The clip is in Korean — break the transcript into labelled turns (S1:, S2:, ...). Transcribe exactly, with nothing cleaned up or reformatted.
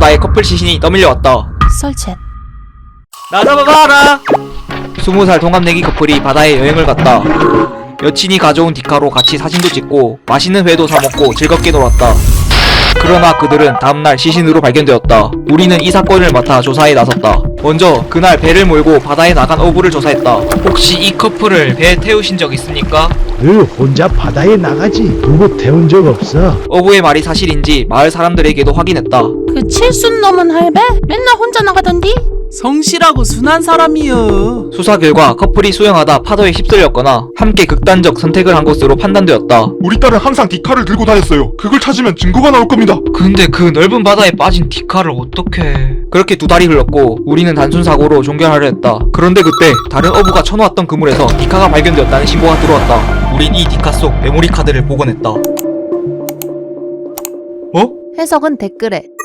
S1: 바다에 커플 시신이 떠밀려왔다.
S2: 설치했.
S1: 나 잡아봐라! 스무 살 동갑내기 커플이 바다에 여행을 갔다. 여친이 가져온 디카로 같이 사진도 찍고 맛있는 회도 사먹고 즐겁게 놀았다. 그러나 그들은 다음날 시신으로 발견되었다. 우리는 이 사건을 맡아 조사에 나섰다. 먼저 그날 배를 몰고 바다에 나간 어부를 조사했다. 혹시 이 커플을 배에 태우신 적 있습니까?
S3: 늘 혼자 바다에 나가지 누구 태운 적 없어.
S1: 어부의 말이 사실인지 마을 사람들에게도 확인했다.
S2: 그 칠순 넘은 할배? 맨날 혼자 나가던디?
S4: 성실하고 순한 사람이여.
S1: 수사 결과 커플이 수영하다 파도에 휩쓸렸거나 함께 극단적 선택을 한 것으로 판단되었다.
S5: 우리 딸은 항상 디카를 들고 다녔어요. 그걸 찾으면 증거가 나올 겁니다.
S1: 근데 그 넓은 바다에 빠진 디카를 어떻게... 그렇게 두 달이 흘렀고 우리는 단순 사고로 종결하려 했다. 그런데 그때 다른 어부가 쳐놓았던 그물에서 디카가 발견되었다는 신고가 들어왔다. 우린 이 디카 속 메모리 카드를 복원했다. 어?
S2: 해석은 댓글에.